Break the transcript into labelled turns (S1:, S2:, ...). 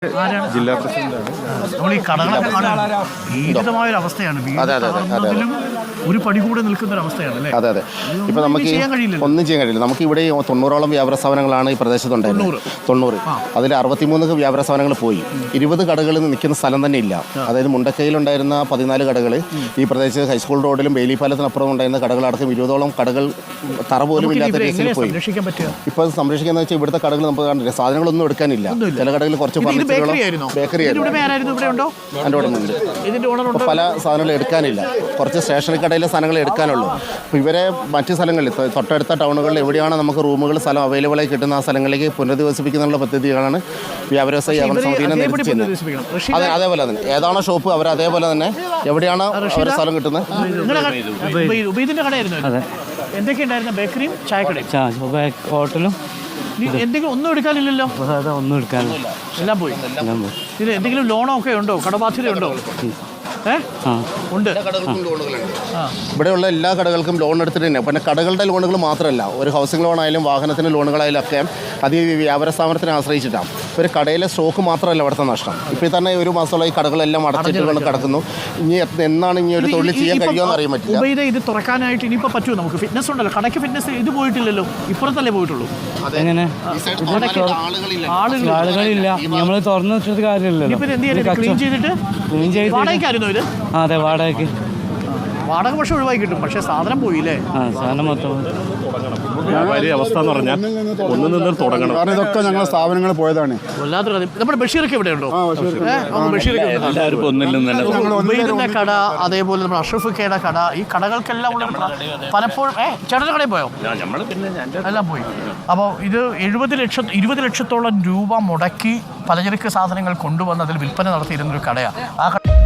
S1: ജില്ലാ പ്രസിഡന്റാണ്.
S2: നമ്മൾ ഈ കടകളൊക്കെ കാണാൻ ഭീകരമായൊരു അവസ്ഥയാണ്. ഒരു പടി കൂടെ നിൽക്കുന്ന ഒരു അവസ്ഥയാണ് അല്ലേ?
S3: അതെ അതെ. ഇപ്പം നമുക്ക് ഒന്നും ചെയ്യാൻ കഴിയില്ല. നമുക്ക് ഇവിടെ 90ഓളം വ്യാപാര സ്ഥാപനങ്ങളാണ് ഈ പ്രദേശത്തുണ്ടായിരുന്നത്. 90. അതിൽ 63 വ്യാപാര സ്ഥാപനങ്ങൾ പോയി. 20 കടകളിൽ നിൽക്കുന്ന സ്ഥലം തന്നെ ഇല്ല. അതായത് മുണ്ടക്കയിലുണ്ടായിരുന്ന 14 കടകൾ ഈ പ്രദേശത്ത് ഹൈസ്കൂൾ റോഡിലും ബെയിലി പാലത്തിനപ്പുറം ഉണ്ടായിരുന്ന കടകളടക്കം 20ഓളം കടകൾ തറ പോലും ഇല്ലാത്ത രീതിയിൽ പോയി. ഇപ്പോൾ സംരക്ഷിക്കുന്ന വെച്ചാൽ ഇവിടുത്തെ കടകൾ നമുക്ക് കാണില്ല. സാധനങ്ങളൊന്നും എടുക്കാനില്ല. ചില കടകളിൽ കുറച്ച് ബേക്കറി പല സാധനങ്ങൾ എടുക്കാനില്ല. കുറച്ച് സ്റ്റേഷനറി കടയിലെ സാധനങ്ങൾ എടുക്കാനുള്ളൂ. അപ്പോൾ ഇവരെ മറ്റ് സ്ഥലങ്ങളിൽ തൊട്ടടുത്ത ടൗണുകളിൽ എവിടെയാണ് നമുക്ക് റൂമുകൾ സ്ഥലം അവൈലബിൾ ആയി കിട്ടുന്ന ആ സ്ഥലങ്ങളിലേക്ക് പുനരധിവസിപ്പിക്കുന്നുള്ള പദ്ധതികളാണ് വ്യാപാരസ്ഥ സമിതിയെ നേതൃത്വം. അതേപോലെ തന്നെ ഏതാണോ ഷോപ്പ് അവർ അതേപോലെ തന്നെ എവിടെയാണ് അവരുടെ സ്ഥലം കിട്ടുന്നത്.
S2: എന്തൊക്കെയുണ്ടായിരുന്നു? ബേക്കറിയും ചായക്കടയും ഹോട്ടലും. എന്തെങ്കിലും ഒന്നും എടുക്കാനില്ലല്ലോ.
S4: ഒന്നും എടുക്കാനില്ല,
S2: എല്ലാം പോയി. ഇത് എന്തെങ്കിലും ലോണോ ഒക്കെ ഉണ്ടോ? കടബാധ്യതയുണ്ടോ? ഉണ്ട്.
S3: ഇവിടെയുള്ള എല്ലാ കടകൾക്കും ലോൺ എടുത്തിട്ട് തന്നെ. പിന്നെ കടകളുടെ ലോണുകൾ മാത്രമല്ല, ഒരു ഹൗസിംഗ് ലോണായാലും വാഹനത്തിന് ലോണുകളായാലും ഒക്കെ അത് ഈ വ്യാപാര സ്ഥാപനത്തിനെ ആശ്രയിച്ചിട്ടാണ്. ഒരു കടയിലെ സ്റ്റോക്ക് മാത്രമല്ല ഇവിടുത്തെ നഷ്ടം. ഇപ്പോൾ തന്നെ ഒരു മാസമുള്ള ഈ കടകളെല്ലാം അടച്ചിട്ട് കൊണ്ട് കിടക്കുന്നു. ഇനി എന്നാണ് ഇനി ഒരു തൊഴിൽ ചെയ്യാൻ കഴിയുമെന്ന് അറിയാൻ പറ്റില്ല.
S2: ഇത് തുറക്കാനായിട്ട് ഇനിയിപ്പോൾ പറ്റുമോ? നമുക്ക് ഫിറ്റ്നസ് ഉണ്ടല്ലോ, കടയ്ക്ക് ഫിറ്റ്നസ് ഇത് പോയിട്ടില്ലല്ലോ, ഇപ്പുറത്തല്ലേ പോയിട്ടുള്ളൂ.
S4: എങ്ങനെ ആളുകളില്ല, നമ്മൾ തുറന്നു വെച്ചത് കാര്യമില്ലല്ലോ.
S2: ക്ലീൻ ചെയ്തിട്ട് വാടകയ്ക്കായിരുന്നു ഇത്.
S4: അതെ, വാടകയ്ക്ക്.
S2: വാടക പക്ഷെ ഒഴിവാക്കി കിട്ടും, പക്ഷെ സാധനം പോയില്ലേ?
S4: സാധനം മൊത്തം
S1: വ്യാപാരി അവസ്ഥ എന്ന് പറഞ്ഞാൽ ഒന്നു നിന്ന് തുടങ്ങണം.
S5: കാരണം ഇതൊക്കെ ഞങ്ങളുടെ സ്ഥാപനങ്ങൾ പോയതാണ്.
S2: നമ്മുടെ ബഷീറൊക്കെ ഇവിടെ ഉണ്ടോ? ഉബൈദിന്റെ കട, അതേപോലെ നമ്മുടെ അഷ്റഫിക്കയുടെ കട, ഈ കടകൾക്കെല്ലാം പലപ്പോഴും ചേട്ടൻ്റെ കടയിൽ പോയോ? എല്ലാം പോയി. അപ്പോൾ ഇത് 20 ലക്ഷത്തോളം രൂപ മുടക്കി പലചരക്ക് സാധനങ്ങൾ കൊണ്ടുവന്ന് അതിൽ വിൽപ്പന നടത്തിയിരുന്നൊരു കടയാണ്. ആ